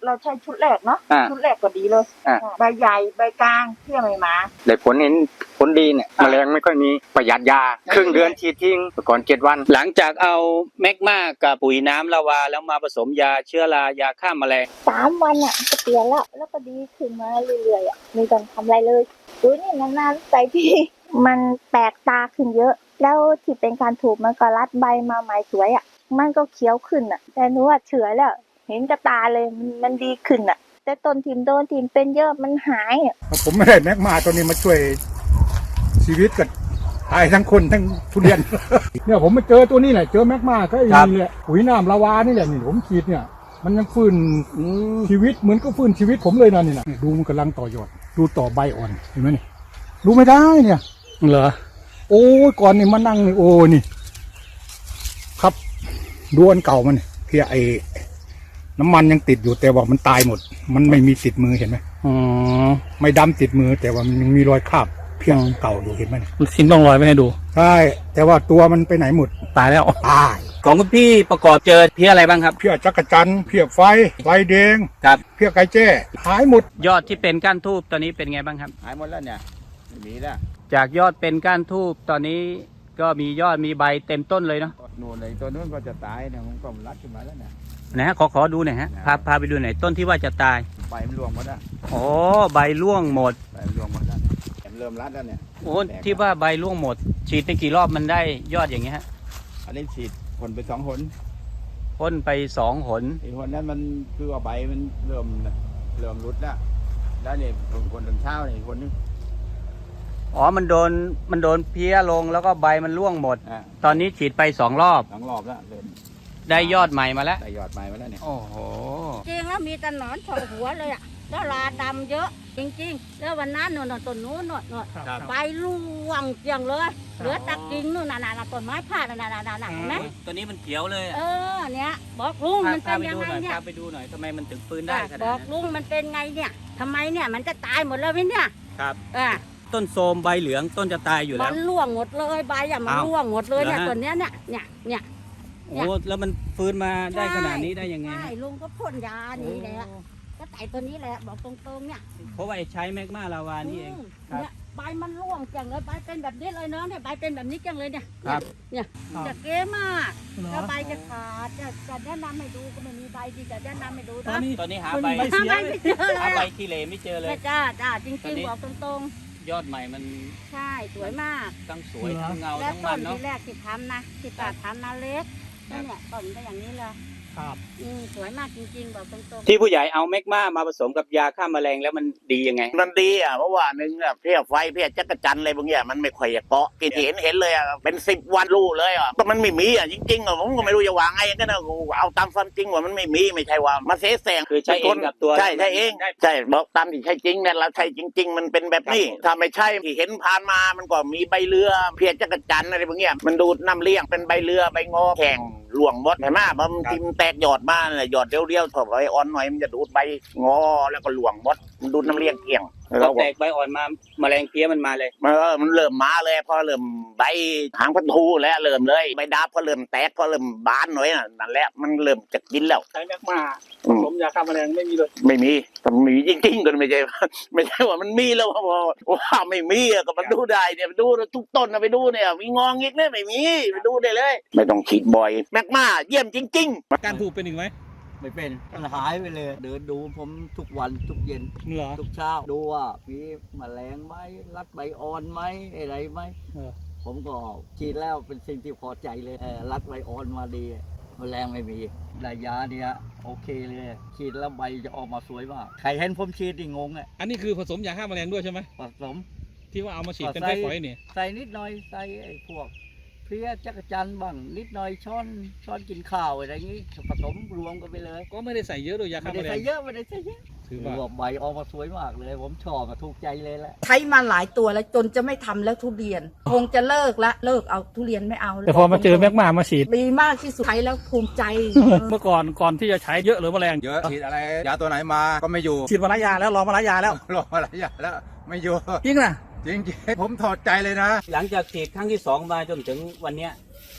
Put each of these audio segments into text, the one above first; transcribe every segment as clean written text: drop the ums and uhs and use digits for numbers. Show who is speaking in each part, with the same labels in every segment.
Speaker 1: เราใช้ชุดแรกเนาะชุดแรกก็ดีเลย ใบใหญ่ใบกลางเที่ยไม่มา
Speaker 2: ได้ผลเห็นผลดีเนี่ยแมลงไม่ค่อยมีประหยัดยาครึ่งเดือนฉีดทิ้งก่อน7 วัน
Speaker 3: หลังจากเอาแมกมากับปุ๋ยน้ำลาวาแล้วมาผสมยาเชื้อรายาฆ่าแมลง
Speaker 1: 3 วันอ่ะก็เปลี่ยนแล้วก็ดีขึ้นมาเรื่อยๆอ่ะไม่ต้องทำอะไรเลยดูนี่นานๆใส่ที่มันแปลกตาขึ้นเยอะแล้วที่เป็นการถูกมันก็รัดใบมาใหม่สวยอ่ะมันก็เขียวขึ้นอ่ะแต่หนูว่าเฉื่อยแล้วเห็นกับตาเลยมันดีขึ้นอ่ะแต่ต้นทิมโดนทิมเป็นเยอะมันหายอ่ะ
Speaker 4: ผมไม่ได้แมกมาตัวนี้มาช่วยชีวิตกับตายทั้งคนทั้งทุเรียน เนี่ยผมมาเจอตัวนี้แหละเจอแมกมาก็ไอ้นี่แหละปุ๋ยน้ำลาวานี่แหละนี่ผมฉีดเนี่ยมันยังฟื้นชีวิตเหมือนก็ฟื้นชีวิตผมเลยนะนี่นะดูมันกำลังต่อยอดดูต่อใบอ่อนเห็นไหมนี่ดูไม่ได้เนี่ยเหรอโอ้ยก่อนนี่มานั่งนี่โอ้นี่ครับดูอันเก่ามันเพียไอน้ำมันยังติดอยู่แต่ว่ามันตายหมดมันไม่มีติดมือเห็นไหมอ๋อไม่ดำติดมือแต่ว่ามันยังมีรอยคราบเพียงเก่าอยู่เห็นไหม
Speaker 3: มันทิ้งร่องรอยไว้ให้ดู
Speaker 4: ใช่แต่ว่าตัวมันไปไหนหมด
Speaker 3: ตายแล้ว
Speaker 4: ตาย
Speaker 3: ของคุณพี่ประกอบเจอเพี้ยอะไรบ้างครับ
Speaker 4: เพี้ยจักรจันทร์เพี้ยไฟแดง
Speaker 3: ครับ
Speaker 4: เพี้ยไก่แจ้หายหมด
Speaker 3: ยอดที่เป็นก้านทูบตอนนี้เป็นไงบ้างครับ
Speaker 2: หายหมดแล้วเนี่ยไม่มีแล้ว
Speaker 3: จากยอดเป็นก้านทูบตอนนี้ก็มียอดมีใบเต็มต้นเลยเนาะ
Speaker 2: นู่นเลยตัวนู้นก็จะตายเนี่ยมันก็รัดขึ้นมาแล้วเนี่ย
Speaker 3: นะฮะขอดูหน่อยฮะพาไปดูหน่อยต้นที่ว่าจะตาย
Speaker 2: ใบมันร่วงหมดแล้ว
Speaker 3: โอ้ใบร่วงหมด
Speaker 2: ใบร่วงหมดแล้วเริ่มรัดแล้วเนี่ย
Speaker 3: โอ้ที่ว่าใบร่วงหมดฉีดไปกี่รอบมันได้ยอดอย่างเงี้ยฮะ
Speaker 2: อันนี้ฉีดพ่นไป2 หน
Speaker 3: พ่นไป2 หน
Speaker 2: อีกหนนั้นมันคือว่าใบมันเริ่มรุดแล้วเนี่ยคนตอนเช้าเนี่ยคนนึง
Speaker 3: อ๋อมันโดนเพี้ยลงแล้วก็ใบมันร่วงหมดตอนนี้ฉีดไป2 รอบ
Speaker 2: แล้วเริ่ม
Speaker 3: ได้ยอดใหม่มาแล้ว
Speaker 2: ได้ยอดใหม่มาแล้วเนี่ย
Speaker 3: โอ้โห
Speaker 5: จริงแล้วมีแต่หนอนเฉาะหัวเลยอ่ะแล้วลาดำเยอะจริงๆแล้ววันนั้นนต้นนู้นใบร่วงเกลี้ยงเลยเหลือตะกิ่งนู่นน่ะต้นไม้พาดน่ะเห็นไหม
Speaker 3: ตัวนี้มันเขียวเลย
Speaker 5: เนี่ยบอกลุงมันเป็นยังไงเนี่ย
Speaker 3: ไปดูหน่อยทำไมมันถึงฟื้นได้ขนาดนั้น
Speaker 5: บอกลุงมันเป็นไงเนี่ยทำไมเนี่ยมันจะตายหมดเลยไหมเนี่ย
Speaker 3: ครับต้นโทมใบเหลืองต้นจะตายอยู่แล้ว
Speaker 5: มันร่วงหมดเลยใบมันร่วงหมดเลยเนี่ยตัวเนี้ยเนี่ย
Speaker 3: โอ้แล้วมันฟื้นมาได้ขนาดนี้ได้ยังไง
Speaker 5: ใช่ลุงก็พ่นยานี่แหละก็ใส่ตัวนี้แหละบอกตรงๆเนี่ย
Speaker 3: เพราะว่าใช้แมกมาลาวานี่เอง
Speaker 5: เนี่ยใบมันร่วงจังเลยใบเป็นแบบนี้เลยเนาะเนี่ยใบเป็นแบบนี้จังเลยเนี่ยเนี่ยจะเก๋มากแล้วใบจะขาดจะแนะนำให้ดูก็ไม่มีใบที่จะแนะนำให้ดู
Speaker 3: ตอนนี้หาใบ
Speaker 5: ไม่เจอเลย
Speaker 3: หาใบขี้เหร่ไม่เจอเลย
Speaker 5: จ้าจริงๆบอกตรง
Speaker 3: ๆยอดใหม่มัน
Speaker 5: ใช่สวยมาก
Speaker 3: ทั้งสวยทั้งเงาทั้งมันเนาะ
Speaker 5: แล้วต้นที่แรกที่ทำนะที่ตัดทำนาเล็กเนี่ยต้นก็อย่างนี้เลย
Speaker 3: ครับ
Speaker 5: สวยมากจริงๆบอกตรง
Speaker 3: ๆที่ผู้ใหญ่เอาแมกมาผสมกับยาฆ่าแมลงแล้วมันดียังไง
Speaker 6: มันดีเพราะว่านึงเพี้ยไฟเพี้ยจักรจันอะไรบางอย่างมันไม่ค่อยเกาะกินเห็นเลยเป็น10 วันรู้เลยก็มันไม่มีจริงๆผมก็ไม่รู้จะวางไงก็นะเอาตามความจริงว่ามันไม่มีไม่ใช่ว่ามาเสแสร้ง
Speaker 3: คือใช้เองกับตัว
Speaker 6: ใช่เองใช่บอกตามที่ใช่จริงเนี่ยเราใช่จริงๆมันเป็นแบบนี้ถ้าไม่ใช่ที่เห็นผ่านมามันก็มีใบเรือเพี้ยจักรจันอะไรบางอย่างมันดูดน้ำเลี้ยงเป็นใบเรือใบงอแข็งหลวงมดเห็นไหมมันทิมแตกหยอดมาเลยหยอดเรียวๆถอดใบอ่อนหน่อยมันจะดูดใบงอแล้วก็หลวงมดมันดูดน้ำเลี้ยงเกี่ยง
Speaker 3: เราแตกใบอ่อนมาแมลงเพี้ยมันมาเลย
Speaker 6: มันเริ่มมาเลยพอเริ่มใบหางพันธุแล้วเริ่มเลยใบดาบก็เริ่มแตกก็เริ่มบานหน่อยนั่นแหละมันเริ่มจะกินแล้ว
Speaker 2: ใช้แมกมาผมยาฆ่าแมลงไม่มีเลย
Speaker 6: ไม่มีแต่มีจริงๆก็ไม่ใช่ว่ามันมีแล้วว่าไม่มีก็มันดูได้เนี่ยดูทุกต้นไปดูเนี่ยมีงองอีกเนี่ยไม่มีไปดูได้เลยไม่ต้องฉีดบ่อยแมกมาเยี่ยมจริง
Speaker 3: ๆการถูกเป็นอีกไหม
Speaker 7: ไม่เป็นมันหายไปเลยเดินดูผมทุกวันทุกเย็นทุกเช้าดูว่ามีแมลงไหมรัดใบอ่อนไหมอะไรไหมผมก็ฉีดแล้วเป็นสิ่งที่พอใจเลยรัดใบอ่อนมาดีแมลงไม่มีได้ยาเนี่ยโอเคเลยฉีดแล้วใบจะออกมาสวยมากใครเห็นผมฉีดดิงง
Speaker 3: อันนี้คือผสมยาฆ่าแมลงด้วยใช่ไหม
Speaker 7: ผสม
Speaker 3: ที่ว่าเอามาฉีดเป็นไฟฝอยเนี่ย
Speaker 7: ใส่นิดหน่อยใส่ไอ้พวกเพี้ยจักรจันทร์บ้างนิดหน่อยช้อนกินข้าวอะไรอย่างนี้ผสมรวมกันไปเลย
Speaker 3: ก็ไม่ได้ใส่เยอะโดยยาฆ่าแมลง
Speaker 7: ไม่ได้ใส่เยอะถือว่าใบออกมาสวยมากเลยผมชอบถูกใจเลยแหละ
Speaker 8: ใช้มาหลายตัวแล้วจนจะไม่ทำแล้วทุเรียนคงจะเลิกเอาทุเรียนไม่เอา
Speaker 3: แต่พอมาเจอแมกมาฉีด
Speaker 8: ดีมากที่สุดใช้แล้วภูมิใจ
Speaker 3: เมื่อก่อนที่จะใช้เยอะหรือแมลง
Speaker 2: เยอะฉีดอะไรยาตัวไหนมาก็ไม่อยู่
Speaker 3: ฉีดมาหลายยาแล้วรอมาหลายยาแล้ว
Speaker 2: ไม่อยู่
Speaker 3: จริงนะ
Speaker 2: จริงผมถอดใจเลยนะ
Speaker 3: หลังจากฉีดครั้งที่2มาจนถึงวันเนี้ย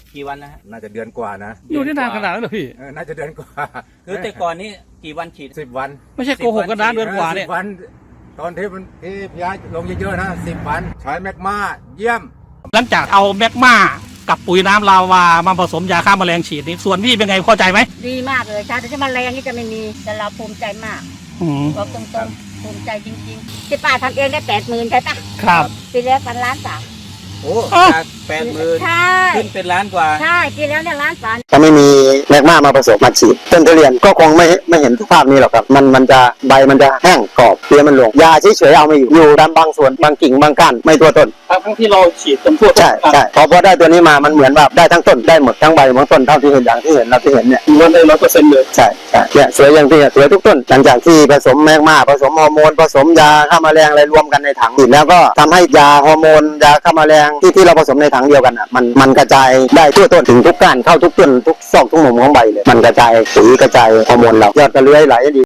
Speaker 3: กี่วันนะฮะ
Speaker 4: น่าจะเดือนกว่านะ
Speaker 9: อยู่ที่นานขนาดนั้นเหรอพี่
Speaker 4: น่าจะเดือนกว่า
Speaker 3: คือแต่ก่อนนี้กี่วันฉีด
Speaker 4: 10 วัน
Speaker 9: ไม่ใช่โกหกกันนะเดือนกว่าเนี่ย
Speaker 4: 10 วัน ตอนที่ย้ายลงเยอะๆนะ10 วันใช้แมกมาเยี่ยม
Speaker 9: หลังจากเอาแมกมากับปุ๋ยน้ำลาวามาผสมยาฆ่าแมลงฉีดนี่ส่วนพี่เป็นไงพอใจไหม
Speaker 5: ดีมากเลยชาติที่มาแรงนี่จะไม่มีแต่เราภูมิใจมาก
Speaker 9: อืม
Speaker 5: บอกตรงๆภูมิใจจริงๆที่ป้าทำเองได้80,000ใช่ปะ
Speaker 9: ครับ
Speaker 5: ปีแล้วกันล้านสาม
Speaker 3: โอ้จาก80,000
Speaker 5: ใช่
Speaker 3: ขึ้นเป็นล้านกว่า
Speaker 5: ใช่ปีแล้วเนี่ยล้านสาม
Speaker 10: ถ้าไม่มีแมกมาผสมมาฉีดต้นทุเรียนก็คงไม่เห็นสภาพนี้หรอกครับมันจะใบมันจะแห้งกรอบเปลือกมันหลวงยาเฉยๆเอาไม่อยู่ตามบางส่วนบางกิ่งบางก้านไม่ตัวต้น
Speaker 9: ทั้งที่เราฉีดจนทั่ว
Speaker 10: ใช่พอได้ตัวนี้มามันเหมือนแบบได้ทั้งต้นได้หมดทั้งใบบางต้นเท่าที่เห็นอย่างที่เห็นเราที่เห็นเนี่ย
Speaker 9: มันได้100%เลย
Speaker 10: ใช่เนี่ยสวยอย่างที่สวยทุกต้นหลังจากที่ผสมแมกมาผสมฮอร์โมนผสมยาฆ่าแมลงอะไรรวมกันในถังฉีดแล้วก็ทำให้ยาฮอร์โมนยาฆ่าแมลงที่เราผสมในถังเดียวกันอ่ะมันกระจายได้ทั่วต้นถึงทุกก้านเข้าทุกต้นทุกซอกทุกมุมของใบเลยมันกระจายสีกระจายฮอร์โมนเรายอดก็เลื้อยไหลดี